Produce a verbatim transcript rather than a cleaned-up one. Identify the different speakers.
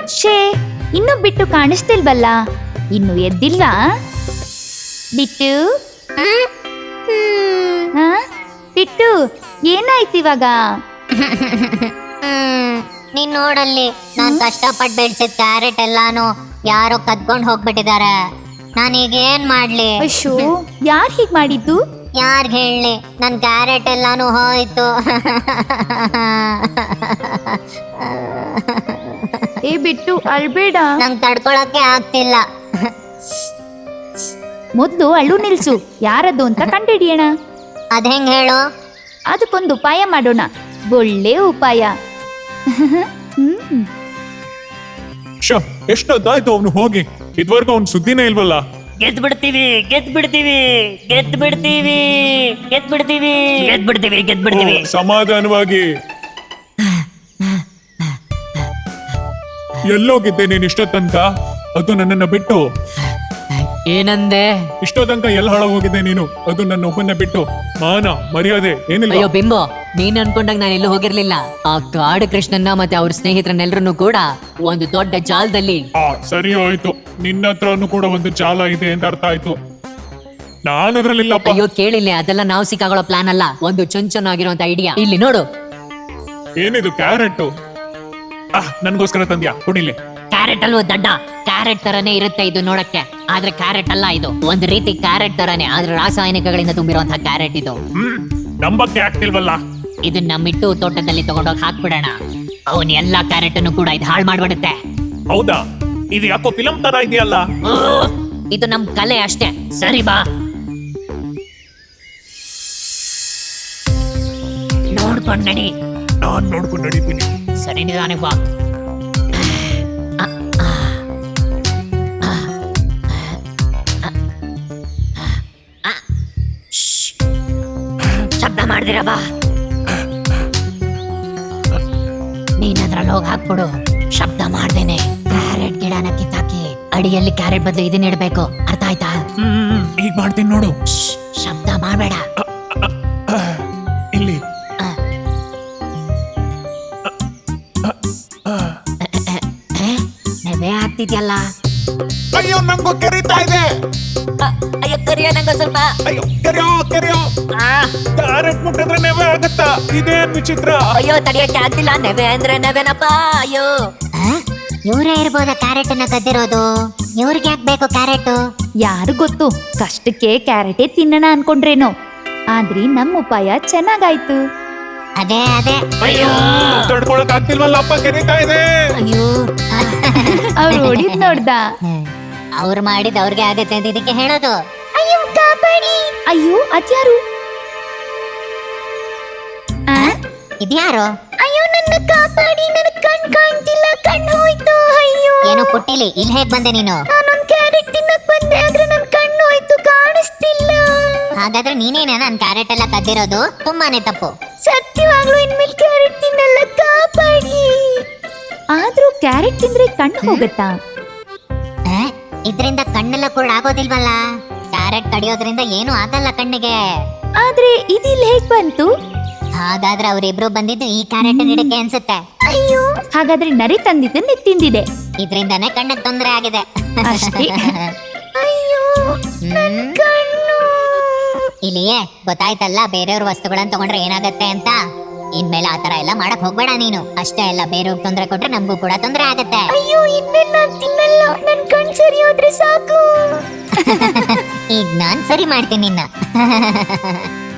Speaker 1: ಶೇ, ಇನ್ನು ಬಿಟ್ಟು ಕಾಣಿಸ್ತಿಲ್ವಲ್ಲ? ಇನ್ನು ಎದ್ದಿಲ್ಲ ಬಿಟ್ಟು? ಹಾ ಬಿಟ್ಟು, ಏನಾಯ್ತು ಇವಾಗ?
Speaker 2: ನೀನ್ ನೋಡಲ್ಲಿ, ನಾನ್ ಕಷ್ಟಪಟ್ಟು ಬೆಳ್ಸಿದ ಕ್ಯಾರೆಟ್ ಎಲ್ಲಾನು ಯಾರೋ ಕದ್ಕೊಂಡ್ ಹೋಗ್ಬಿಟ್ಟಿದ್ದಾರೆ. ನಾನೀಗ ಏನ್ ಮಾಡ್ಲಿ?
Speaker 1: ಅಯ್ಯೋ, ಯಾರ್ ಹೀಗ್ ಮಾಡಿದ್ದು?
Speaker 2: ಯಾರ್ಗ್ ಹೇಳಿ? ನನ್ ಕ್ಯಾರೆಟ್ ಎಲ್ಲಾನು ಹೋಯ್ತು.
Speaker 1: ಏ ಬಿಟ್ಟು, ಅಳ್ಬೇಡ.
Speaker 2: ನಂಗ್ ತಡ್ಕೊಳಕ್ಕೆ ಆಗ್ತಿಲ್ಲ.
Speaker 1: ಮೊದ್ಲು ಅಳು ನಿಲ್ಸು. ಯಾರದು ಅಂತ ಕಂಡಿಡಿಯೋಣ.
Speaker 2: ಅದ್ ಹೆಂಗ್ ಹೇಳು?
Speaker 1: ಅದಕ್ಕೊಂದು ಉಪಾಯ ಮಾಡೋಣ. ಒಳ್ಳೆ ಉಪಾಯ. ಹ್ಮ್
Speaker 3: ಶ ಎಷ್ಟೊತ್ತಾಯ್ತು ಅವನು ಹೋಗಿ, ಇದುವರೆಗೂ ಅವ್ನ ಸುದ್ದಿನೇ ಇಲ್ವಲ್ಲ?
Speaker 4: ಗೆದ್ ಬಿಡ್ತೀವಿ ಗೆದ್ ಬಿಡ್ತೀವಿ ಗೆದ್ ಬಿಡ್ತೀವಿ ಗೆದ್ ಬಿಡ್ತೀವಿ ಗೆದ್ ಬಿಡ್ತೀವಿ ಗೆದ್ ಬಿಡ್ತೀವಿ
Speaker 3: ಓ, ಸಮಾಧಾನವಾಗಿ. ಎಲ್ಲೋಗಿದ್ದೆ ನೀನ್ ಇಷ್ಟೊತ್ತಂಕ? ಅದು ನನ್ನನ್ನ ಬಿಟ್ಟು.
Speaker 4: ಏನಂದೆ?
Speaker 3: ಇಷ್ಟೊತ್ತಂಕ ಎಲ್ಲ ಹಾಳಾಗೋಗಿದ್ದೆ ನೀನು, ಅದು ನನ್ನ ಒಬ್ಬನ್ನ ಬಿಟ್ಟು. ಮಾನ ಮರ್ಯಾದೆ ಏನಿಲ್ಲ.
Speaker 4: ಅಯ್ಯೋ ಬಿಂಬು, ನೀನ್ ಅನ್ಕೊಂಡಾಗ ನಾನು ಎಲ್ಲೂ ಹೋಗಿರ್ಲಿಲ್ಲ. ಆ ಕಾಡು ಕೃಷ್ಣನ್ನ ಮತ್ತೆ ಅವ್ರ ಸ್ನೇಹಿತರನ್ನೆಲ್ಲರನ್ನು ಕೂಡ ಒಂದು ದೊಡ್ಡ ಜಾಲದಲ್ಲಿ.
Speaker 3: ಆ ಸರಿ ಹೋಯ್ತು, ನಿನ್ನ ಹತ್ರನು ಕೂಡ ಒಂದು ಜಾಲ ಇದೆ ಅಂತ ಅರ್ಥ ಆಯ್ತು. ನಾನು ಅದ್ರಲ್ಲಿಲ್ಲಪ್ಪ.
Speaker 4: ಅಯ್ಯೋ ಕೇಳಿಲ್ಲ, ಅದೆಲ್ಲ ನಾವು ಸಿಕ್ಕಾಗೊಳ್ಳೋ ಪ್ಲಾನ್ ಅಲ್ಲ, ಒಂದು ಚೊಂಚನಾಗಿರುವಂತ ಐಡಿಯಾ. ಇಲ್ಲಿ ನೋಡು.
Speaker 3: ಏನಿದು ಕ್ಯಾರೆಟ್? ಆ ನನ್ಗೋಸ್ಕರ ತಂದ್ಯಾ? ಕುಡಿಲಿ.
Speaker 4: ಕ್ಯಾರೆಟ್ ಅಲ್ವೋ ದಡ್ಡ, ಕ್ಯಾರೆಟ್ ತರನೇ ಇರುತ್ತೆ ಇದು ನೋಡಕ್ಕೆ, ಆದ್ರೆ ಕ್ಯಾರೆಟ್ ಅಲ್ಲ ಇದು. ಒಂದು ರೀತಿ ಕ್ಯಾರೆಟ್ ತರನೇ, ಆದ್ರೆ ರಾಸಾಯನಿಕಗಳಿಂದ ತುಂಬಿರುವಂತಹ ಕ್ಯಾರೆಟ್ ಇದು.
Speaker 3: ಹ್ಮ್ ನಂಬಕ್ಕೆ ಆಗ್ತಿಲ್ವಲ್ಲ.
Speaker 4: ಇದನ್ನ ನಮ್ಮಿಟ್ಟು ತೋಟದಲ್ಲಿ ತಗೊಂಡೋಗಿ ಹಾಕ್ಬಿಡೋಣ. ಅವನ್ ಎಲ್ಲಾ ಕ್ಯಾರೆಟ್ ಅನ್ನು ಕೂಡ ಇದು ಹಾಳು ಮಾಡ್ಬಿಡುತ್ತೆ.
Speaker 3: ಹೌದಾ? ಇದು ಯಾಕೋ ಫಿಲಂ ತರ ಇದೆಯಲ್ಲ?
Speaker 4: ಇದು ನಮ್ ಕಲೆ ಅಷ್ಟೇ. ಸರಿ ಬಾ, ನೋಡ್ಕೊಂಡ್ ನಡಿ.
Speaker 3: ನಾನ್ ನೋಡ್ಕೊಂಡು ನಡೀತೀನಿ.
Speaker 4: ಸರಿ ನಿಧಾನ ಬಾ. ಶಬ್ದ ಮಾಡ್ದಿರ ಬಾ. ನೀನ್ ಅದ್ರಲ್ಲಿ ಹೋಗಿ ಹಾಕ್ಬಿಡು, ಶಬ್ದ ಮಾಡ್ದೇನೆ. ಕ್ಯಾರೆಟ್ ಗಿಡನ ಕಿತ್ತಾಕಿ ಅಡಿಯಲ್ಲಿ ಕ್ಯಾರೆಟ್ ಬದಲು ಇದನ್ನ ಇಡ್ಬೇಕು, ಅರ್ಥ ಆಯ್ತಾ?
Speaker 3: ಹ್ಮ್ ಈಗ ಮಾಡ್ತೀನಿ ನೋಡು.
Speaker 4: ಶ್ಶ್, ಶಬ್ದ ಮಾಡ್ಬೇಡ.
Speaker 3: ಇಲ್ಲಿ
Speaker 4: ನೆವೆ ಆಗ್ತಿದ್ಯಲ್ಲ.
Speaker 3: ಅಯ್ಯೋ ನಂಗೂ ಕೆರೀತಾ ಇದೆ.
Speaker 4: ಅಯ್ಯೋ ಕರಿಯ ನಂಗ ಸ್ವಲ್ಪ.
Speaker 3: ಅಯ್ಯೋ ಕೆರೆಯೋ ಕೆರೆಯೋ. ಕ್ಯಾರೆಟ್ ಮುಟ್ಟಿದ್ರೆ ನೆವೆ ಆಗತ್ತಾ? ಇದೇನ್ ವಿಚಿತ್ರ.
Speaker 4: ಅಯ್ಯೋ ತಡಿಯಕ್ಕೆ ಆಗ್ತಿಲ್ಲ, ನೆವೆ ಅಂದ್ರೆ ನೆವೆನಪ್ಪ. ಅಯ್ಯೋ
Speaker 2: ಇವ್ರೇ ಇರ್ಬೋದ ಕ್ಯಾರೆಟ್ ಅನ್ನ ಕದ್ದಿರೋದು? ಇವ್ರಿಗೆ ಯಾಕೆ ಬೇಕು ಕ್ಯಾರೆಟ್?
Speaker 1: ಯಾರು ಗೊತ್ತು, ಕಷ್ಟಕ್ಕೆ ಕ್ಯಾರೆಟೇ ತಿನ್ನೋಣ ಅನ್ಕೊಂಡ್ರೇನೋ. ಆದ್ರೆ ನಮ್ಮ ಉಪಾಯ ಚೆನ್ನಾಗಾಯ್ತು.
Speaker 2: ಅದೇ ಅದೇ.
Speaker 3: ಅಯ್ಯೋ ತಡ್ಕೊಳಕ್ ಆಗ್ತಿಲ್ವಲ್ಲಪ್ಪ, ಕೆರೀತಾ ಇದೆ.
Speaker 2: ಅಯ್ಯೋ,
Speaker 1: ಅವ್ರು ಹೊಡಿದ್ ನೋಡ್ದ.
Speaker 2: ಅವ್ರು ಮಾಡಿದ ಅವ್ರಿಗೆ ಆಗತ್ತೆ ಅಂತ ಇದಕ್ಕೆ ಹೇಳೋದು.
Speaker 1: ಅಯ್ಯೋ ಕಾಪಾಡಿ. ಅಯ್ಯೋ ಅದ್ಯಾರು?
Speaker 2: ಇದ್ಯಾರು?
Speaker 1: ಅಯ್ಯೋ ನನ್ನ ಕಾಪಾಡಿ, ನನ್ನ ಕಣ್ ಕಾಣ್ತಿಲ್ಲ, ಕಣ್ಣು ಹೋಯ್ತು. ಅಯ್ಯೋ
Speaker 2: ಏನೋ ಪುಟ್ಟಿಲಿ, ಇಲ್ಲಿ ಹೇಗ್ ಬಂದೆ ನೀನು?
Speaker 1: ನಾನೊಂದ್ ಕ್ಯಾರೆಟ್ ತಿನ್ನಕ್ ಬಂದೆ, ಆದ್ರೆ ನನ್ ಕಣ್ಣು ಹೋಯ್ತು, ಕಾಣಿಸ್ತಿಲ್ಲ.
Speaker 2: ಹಾಗಾದ್ರೆ ನೀನೇನ ನನ್ ಕ್ಯಾರೆಟ್ ಎಲ್ಲ ಕದ್ದಿರೋದು? ತುಂಬಾನೇ ತಪ್ಪು.
Speaker 1: ಸತ್ಯವಾಗ್ಲೂ ಇನ್ಮೇಲೆ ಕ್ಯಾರೆಟ್ ತಿನ್ನಲ್ಲ, ಕಾಪಾಡಿ. ಆದ್ರೂ ಕ್ಯಾರೆಟ್ ತಿಂದ್ರೆ ಕಣ್ಣು ಹೋಗತ್ತಾ?
Speaker 2: ಆ, ಇದ್ರಿಂದ ಕಣ್ಣೆಲ್ಲ ಕೂಡ ಆಗೋದಿಲ್ವಲ್ಲ. ಕ್ಯಾರೆಟ್ ಕಡಿಯೋದ್ರಿಂದ ಏನು ಆಗಲ್ಲ ಕಣ್ಣಿಗೆ.
Speaker 1: ಆದ್ರೆ ಇದಿಲ್ ಹೇಗ್ ಬಂತು?
Speaker 2: ಹಾಗಾದ್ರೆ ಅವರಿಬ್ರು ಬಂದಿದ್ದು ಈ ಕ್ಯಾರೆಟ್ ಗಿಡಕ್ಕೆ ಅನ್ಸುತ್ತೆ.
Speaker 1: ಅಯ್ಯೋ, ಹಾಗಾದ್ರೆ ನರಿ ತಂದಿದ್ದನ್ನ ತಿಂದಿದೆ.
Speaker 2: ಇದ್ರಿಂದಾನೇ ಕಣ್ಣಿಗೆ ತೊಂದರೆ ಆಗಿದೆ
Speaker 1: ಅಷ್ಟೇ. ಅಯ್ಯೋ
Speaker 2: ಹ್ಮ್.
Speaker 1: ಕಣ್ಣು.
Speaker 2: ಇಲ್ಲಿಯೇ ಗೊತ್ತಾಯ್ತಲ್ಲ ಬೇರೆಯವ್ರ ವಸ್ತುಗಳನ್ನ ತಗೊಂಡ್ರೆ ಏನಾಗತ್ತೆ ಅಂತ. ಇನ್ಮೇಲೆ ಆತರ ಎಲ್ಲ ಮಾಡಕ್ ಹೋಗ್ಬೇಡ ನೀನು. ಅಷ್ಟೇ ಅಲ್ಲ, ಬೇರೆಯವ್ರಿಗೆ ತೊಂದರೆ ಕೊಟ್ರೆ ನಮಗೂ ಕೂಡ ತೊಂದರೆ ಆಗತ್ತೆ.
Speaker 1: ಅಯ್ಯೋ ಇನ್ಮೇಲೆ ನಾನ್ ತಿನ್ನಲ್ಲ, ನನ್ ಕಣ್ ಸರಿ ಹೋದ್ರೆ ಸಾಕು.
Speaker 2: ಈಗ ನಾನ್ ಸರಿ ಮಾಡ್ತೀನಿ ನಿನ್ನ.